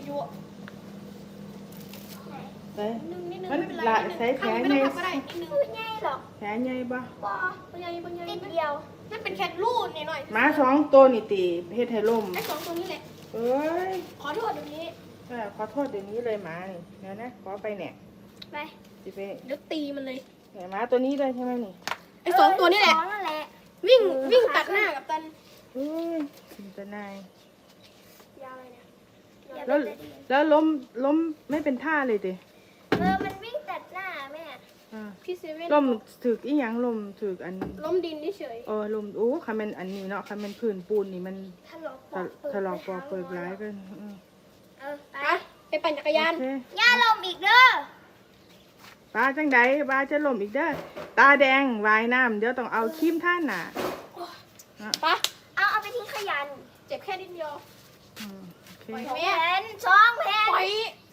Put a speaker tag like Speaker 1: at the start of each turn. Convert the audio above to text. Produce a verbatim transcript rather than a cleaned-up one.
Speaker 1: ยั่ว
Speaker 2: เฮ้ย
Speaker 1: นิดนึงนิดนึง
Speaker 2: มัน
Speaker 1: ไม่เป็นไร
Speaker 2: ละ
Speaker 1: นิดนึง
Speaker 2: ใส่แผล
Speaker 1: ไม่
Speaker 2: ไง
Speaker 1: ต้องทำก็ได้นิดนึง
Speaker 3: คือไงหรอก
Speaker 2: แผลใหญ่บ่
Speaker 3: บอ
Speaker 1: ปัญญาปัญญา
Speaker 3: ติดเดียว
Speaker 1: นั่นเป็นแค่รูดหน่อย
Speaker 2: หมาสองตัวนี่ตีเฮ็ดให้ล่ม
Speaker 1: ไอ้สองตัวนี้แหละ
Speaker 2: เอ้ย
Speaker 1: ขอโทษเดี๋ยวนี้
Speaker 2: เออขอโทษเดี๋ยวนี้เลยหมานี่เดี๋ยวนะขอไปเนี่ย
Speaker 3: ไป
Speaker 2: สิไป
Speaker 1: เดี๋ยวตีมันเลย
Speaker 2: เนี่ยหมาตัวนี้เลยใช่ไหมนี่
Speaker 1: ไอ้สองตัวนี้แหละ
Speaker 3: สองนั่นแหละ
Speaker 1: วิ่งวิ่งตัดหน้ากับตัน
Speaker 2: เอ้ยมันจะนาย
Speaker 1: ยาวเลยเนี่ย
Speaker 3: อย่า
Speaker 2: แล้ว
Speaker 3: ไปตี
Speaker 2: แล้วล้มล้มไม่เป็นท่าเลยดิ
Speaker 3: เออมันวิ่งตัดหน้าแม่
Speaker 2: อ่า
Speaker 1: พี่เซเว่น
Speaker 2: ล้มถึกอีหยังล้มถึกอัน
Speaker 1: ล้มดินเฉย
Speaker 2: เออล้มโอ้คันเป็นอันนี้เนาะคันเป็นพื้นปูนนี่มัน
Speaker 3: ถลอกป
Speaker 2: ถ
Speaker 3: อกเปิด
Speaker 2: ถลอกปอกเปิดร้ายกันเออ
Speaker 3: เออไป
Speaker 1: ๆไปไปปั่นจักรยาน
Speaker 2: โอเค
Speaker 3: ย่าลมอีกเด้อ
Speaker 2: ปลาจังใดปลาจะล้มอีกเด้อตาแดงวายน้ำเดี๋ยวต้องเอาครีมท่านน่ะ
Speaker 1: ปะ
Speaker 3: เอาเอาไปทิ้งขยะ
Speaker 1: เจ็บแค่นิดเดียว
Speaker 2: อืมโอเค
Speaker 1: ปล่อย
Speaker 3: สอง
Speaker 1: แม่
Speaker 3: แผ่นสองแผ่น
Speaker 1: ปล่อย